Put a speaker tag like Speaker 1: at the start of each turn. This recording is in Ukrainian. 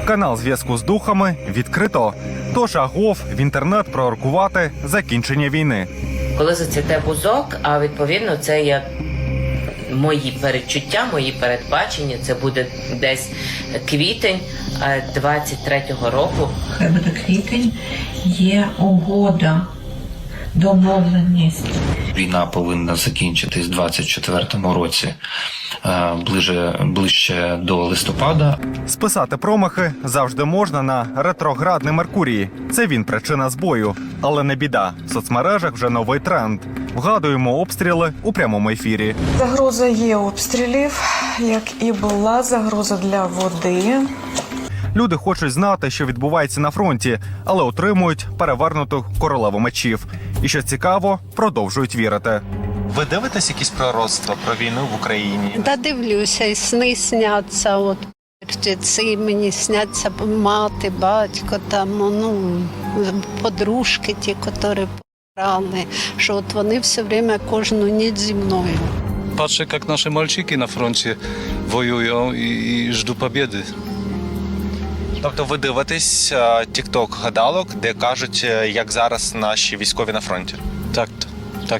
Speaker 1: Канал зв'язку з духами відкрито. Тож агов в інтернет пророкувати закінчення війни.
Speaker 2: Коли зацвіте бузок, а відповідно це є мої передчуття, мої передбачення, це буде десь квітень 23-го року.
Speaker 3: Хай буде квітень, є угода, домовленість.
Speaker 4: Війна повинна закінчитись в 24-му році, ближче до листопада.
Speaker 1: Списати промахи завжди можна на ретроградний Меркурій. Це він причина збою. Але не біда. В соцмережах вже новий тренд. Вгадуємо обстріли у прямому ефірі.
Speaker 5: Загроза є обстрілів, як і була загроза для води.
Speaker 1: Люди хочуть знати, що відбувається на фронті, але отримують перевернуту королеву мечів. І що цікаво, продовжують вірити. Ви дивитесь якісь пророцтва про війну в Україні?
Speaker 6: Да, дивлюся, і сни сняться. От ці мені сняться мати, батько, там, подружки ті, які помирали, що от вони все время кожну ніч зі мною.
Speaker 7: Patrzę, jak nasze malczyki na froncie wojują i żdu pobiedy.
Speaker 1: Тобто ви дивитесь тік-ток гадалок, де кажуть, як зараз наші військові на фронті?
Speaker 7: Tak to.